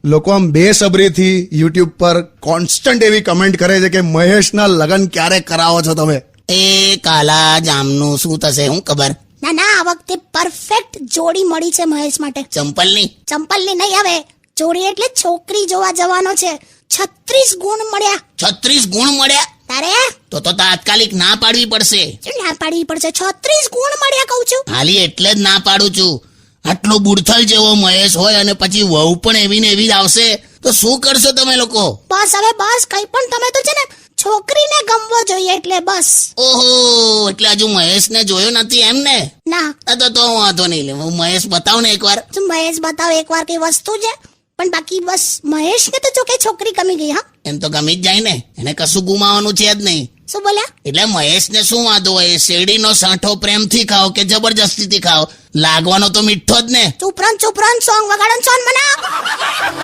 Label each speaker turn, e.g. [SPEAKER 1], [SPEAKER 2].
[SPEAKER 1] લોકો આમ બેસબરીથી યુટ્યુબ પર કોન્સ્ટન્ટ એવી કમેન્ટ કરે છે કે મહેશના લગ્ન ક્યારે કરાવો છો તમે?
[SPEAKER 2] એ કાલા જામનું શું થશે હું ખબર.
[SPEAKER 3] ના ના, આ વખતે પરફેક્ટ જોડી મળી છે મહેશ માટે.
[SPEAKER 2] ચંપલની
[SPEAKER 3] ચંપલની નહીં, હવે જોડી એટલે છોકરી જોવા જવાનો છે. 36 ગુણ મળ્યા.
[SPEAKER 2] 36 ગુણ મળ્યા?
[SPEAKER 3] તારે
[SPEAKER 2] તો તાત્કાલિક ના પાડવી પડશે.
[SPEAKER 3] શું ના પાડવી પડશે? 36 ગુણ મળ્યા કહું છું.
[SPEAKER 2] હાલી એટલે જ ના પાડું છું. આટલો બુડથલ જેવો મહેશ હોય અને પછી વહુ પણ એવી ને એવી જ આવશે તો શું કરશો તમે લોકો?
[SPEAKER 3] બસ હવે બસ, કઈ પણ તમે તો છે ને છોકરીને ગમવો જોઈએ એટલે બસ.
[SPEAKER 2] ઓહો, એટલે હજુ મહેશને જોયો નથી એમ ને?
[SPEAKER 3] ના
[SPEAKER 2] તો હું વાંધો નહીં લે, હું મહેશ બતાવ ને એકવાર.
[SPEAKER 3] તું મહેશ બતાવ એકવાર, કઈ વસ્તુ છે પણ બાકી બસ મહેશને તો જો કે છોકરી ગમી ગઈ. હા,
[SPEAKER 2] એમ તો ગમી જ જાય ને, એને કશું ગુમાવાનું છે જ નહીં.
[SPEAKER 3] શું બોલ્યા?
[SPEAKER 2] એટલે મહેશને શું વાંધો હોય? શેરડીનો સાંઠો પ્રેમથી ખાઓ કે જબરજસ્તીથી ખાઓ, લાગવાનો તો મીઠો જ ને.
[SPEAKER 3] ચૂપ રહો સોંગ વગાડો, સોન મના.